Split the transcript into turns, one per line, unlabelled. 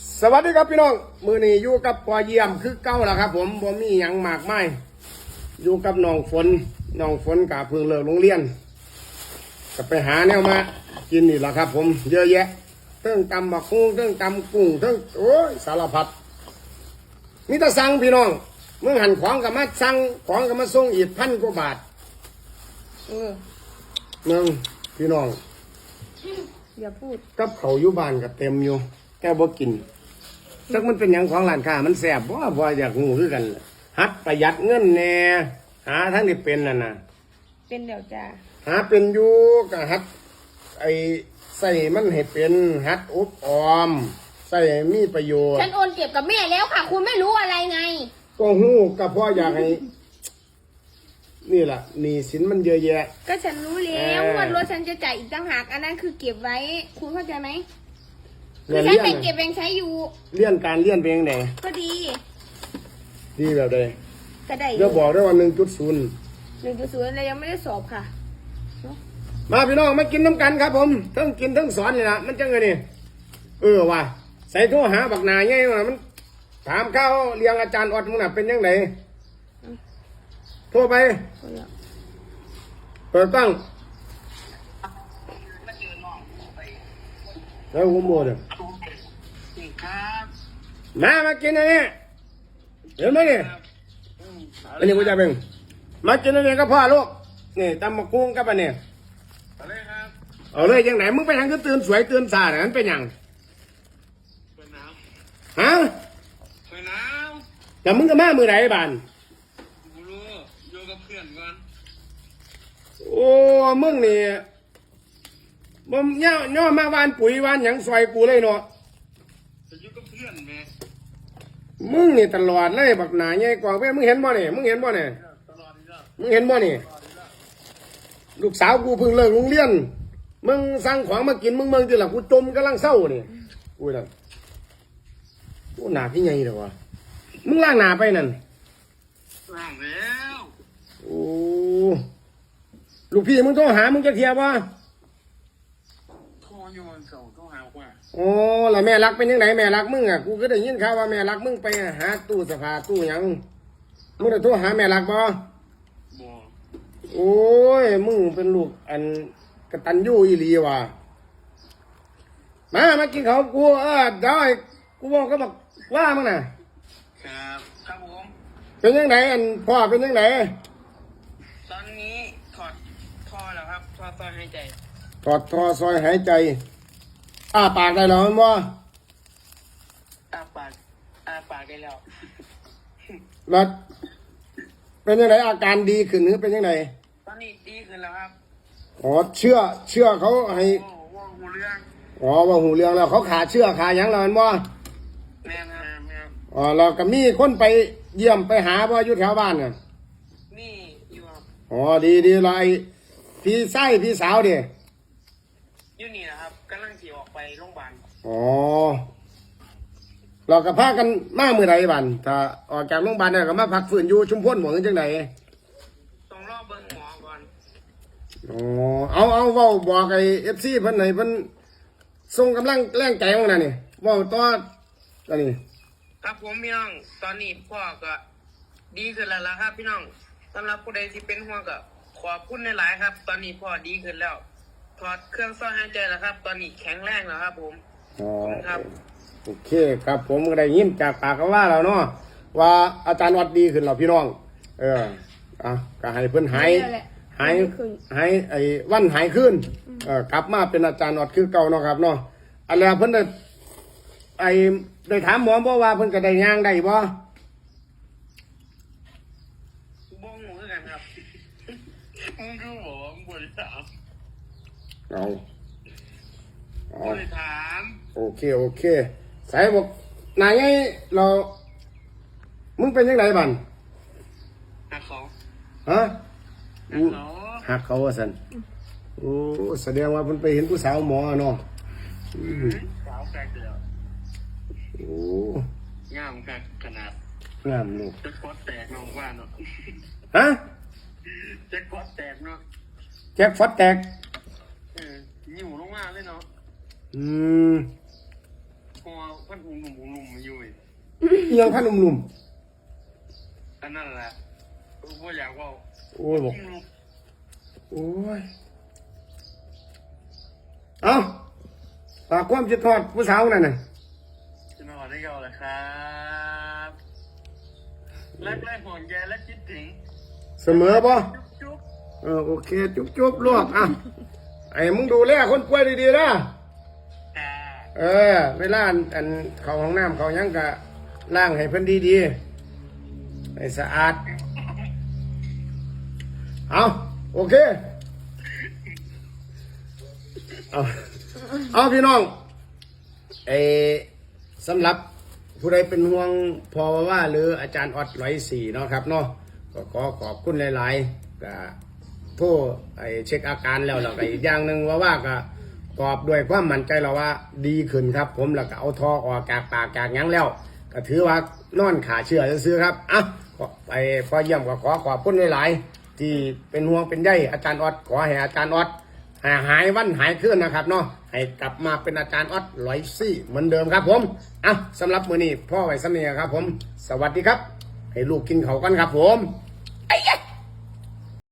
สวัสดีครับพี่น้องมือนี้อยู่กับปอเยี่ยมคือเก้าแล้วครับผมบ่มีหยังมากมายอยู่กับน้องฝนกะเพิ่งเลิกโรงเรียนก็ไปหาแนวมากินนี่แหละครับผมเยอะแยะเทิงตำบักหุ่งเทิงตำกุ้งเทิงโอ้ยสารพัดมีแต่สั่งพี่น้องเมื่อหันของกับมาสั่งของกับมาส่งอีก1,000 กว่าบาทเมืองพี่น้อง
อย่าพูด
กับเขาอยู่บ้านก็เต็มอยู่แกบ่กินจักมันเป็นหยังของร้านค้ามันแสบบ่อยากงูคือกันหัดประหยัดเงินแน่หาทั้งที่เป็นน่ะ
เป็นเดี๋ยวจ้า
หาเป็นอยู่ก็หัดไอ้ใส่มันให้เป็นหัดอบออมใส่มีประโยชน์
ฉันโอนเก็บกับแม่แล้วค่ะคุณไม่รู้อะไรไง
ก็ฮู้ก็เพราะอยากให้นี่ล่ะหนี้สินมันเยอะแยะ
ก็ฉันรู้แล้วว่ารถฉันจะจ่ายอีกต่างหากอันนั้นคือเก็บไว้คุณเข้าใจไหมคือฉันเป็นเก็บเองใช้อยู่
เลี่ยนการเลี่ยนเป็นยังไง
ก็ดี
แบบใด
ก็ได้
เดี๋ยวบอกได้ว่า 1.0
อะไรยังไม่ได้สอบค่ะ
มาพี่น้องมากินน้ำกันครับผมทั้งกินทั้งสอนนี่นะมันจังไงนี่ว่ะใส่โทรหาบักนาไงมันถามข้าวเลี้ยงอาจารย์อดมึงน่ะเป็นยังไงโทรไปเปิดตั้งแล้วหัวโมดมากินอันนี้เห็นไหมนี่อันนี้กูจะเป็นมากินอันนี้ก็พ่อลูกนี่ตำมะกุ้งกับอันนี้เอาเลยยังไหนมึงไปทางก็ตื่นสวยตื่นสาดนั้นเป็นยังฮะแต่มึงก็มามือไหนบ้าน
อยู่กับเพื่อนก่อน
โอ้มึงนี่มึงย่อมาวานปุ๋ยวานหยังซอยกูเลยเนาะ
จะอยู่กับเพื่อนแม่
มึงนี่ตลอดเลยบักหนาใหญ่กว่าเว้ยมึงเห็นบ่เนี่ยมึงเห็นบ่เนี่ยลูกสาวกูเพิ่งเลิกโรงเรียนมึงสั่งของมากินมึงเมืองที่หลังกูจมกำลังเศร้านี่กูน่ะกูหนาพี่ใหญ่เลยวะมึงล้างหนาไปนั่น
ล้างแล้ว
โอ้ลูกพี่มึงโทรหามึงจะเทียบวะ
โทรอยู่วันเสาร์โทรหากว่า
โอ้แล้วแม่รักเป็นยังไงแม่รักมึงอ่ะกูก็ได้ยินข่าวว่าแม่รักมึงไปหาตู้เสื้อผ้าตู้หยังมึงได้โทรหาแม่รักบ่โอ้ยมึงเป็นลูกอันกตัญญูอีหลีว่ะมากินข้าวกูเดี๋ยวกูบอกก็บอกว่ามึงน่ะ
ครับผม
เป็นยังไงอันพ่อเป็นยังไง
ตอนนี้ถอดท่อแล้วครับท่อซอยหายใจ
ถอดท่อซอยหายใจปากได้แล้วมั้งบ่
ปากได้แล้ว
แล้วเป็นยังไงอาการดีขึ้นหรือเป็นยังไง
ตอนนี้ดีขึ้นแล้วครับ
เชื่อเขาให้
ว่าหูเรื่อง
ว่าหูเรื่องแล้วเขาขาเชื่อขายังแล้วมั้งบ่
แม่
เราก็มีคนไปเยี่ยมไปหาบ่อยู่แถวบ้านน่ะ
มีอยู่ครับ
ดีเลยพี่ไส้พี่สาวดิ
อยู่นี่นะครับกำลังขี่ออกไปโรงพยาบาล
เราก็พากันมาเมื่อไรบ้านถ้าออกจากโรงพยาบาลเนี่ยก็มาพักฟื้นอยู่ชุมพลหมองจังได
ต้องรอเบิ่งหมอก่อน
เอาเว้าบอกไอ้ FC เพิ่นให้เพิ่นส่งกำลังแรงใจของนั่นนี่เว้าต่อตอนนี้
ครับผมพี่น้องตอนนี้พ่อก็ดีขึ้นแล้วล่ะครับพี่น้องสำหรับผู้ใดที่เป็นห่วงก็ขอบคุณหลายๆครับตอนนี้พ่อดีขึ้นแล้วถอดเครื่องซ่อมหายใจแล้วครับตอนนี้แข็งแรงแล้วครับผม
ครับโอเคครับผมก็ได้ยินจากปากเขาว่าแล้วเนาะว่าอาจารย์วัดดีขึ้นแล้วพี่น้องก็ให้เพิ่นหายไอ้วันหายขึ้นกลับมาเป็นอาจารย์วัดคือเก่าเนาะครับเนาะอะไรเพิ่นได้ถามหมอบ่ว่าเพิ่นก็ได้ย่างได้บ่
บ่งูคือกันครับมึงรู้บ่มึงบ่ได้ถามบ่ได้ถาม
โอเคสายบอกนายไงเรามึงเป็นยังไงบ้าน
หักเขา
ฮะหักเขาว่าสันโอ้แสดงว่าเพิ่นไปเห็นผู้สาวหมอเนาะ
สาวแปลกเดียว
โอ้
งามขนาด
งามลูก
แจ็คพอตแตกน้องว่าเนาะ
ฮะ
แจ็คพอตแตกเนาะ
แจ็คพอตแตก
หิวลงมาเลยเนาะ
หอ
พันหุ่มอยู่อีก
เอียงพันนุ่ม
อันนั้นแหละพ่ออยากว่า
ๆโอ้ยบอกโอ้ยเอาฝากความคิดทอดผู้สาวนั่นน่ะ
จะนอนได้ก่อนเลยครับรักและห่วงใยและคิดถึง
เสมอป่ะ
จุ๊บ
โอเคจุ๊บลูกอ่ะไอ้มึงดูแลคนป่วยดีๆนะ
แต่
เวลาอันเขาห้องน้ำเขาหยังกะล้างให้เพิ่นดีๆให้สะอาดเอาโอเคเอาพี่น้องสำหรับผู้ใดเป็นห่วงพอว่าหรืออาจารย์ออด104เนาะครับเนาะก็ขอขอบคุณหลายๆก็โทรเช็คอาการแล้วก็อีกอย่างหนึ่งว่าก็ตอบด้วยความมั่นใจเราว่าดีขึ้นครับ ผมแล้วก็เอาทอออกจากปากจากหยังแล้วก็ถือว่านอนขาเชื่อซื้อครับอ่ะพอเยี่ยมก็ขอขอบคุณหลายๆที่เป็นห่วงเป็นใยอาจารย์ออดขอให้อาจารย์ออดหายวันหายคืนนะครับเนาะให้กลับมาเป็นอาจารย์ออด104เหมือนเดิมครับผมอ่ะสำหรับมื้อนี้พ่อไว้สำเนียครับผมสวัสดีครับให้ลูกกินเขาวกันครับผมไอ้ยะ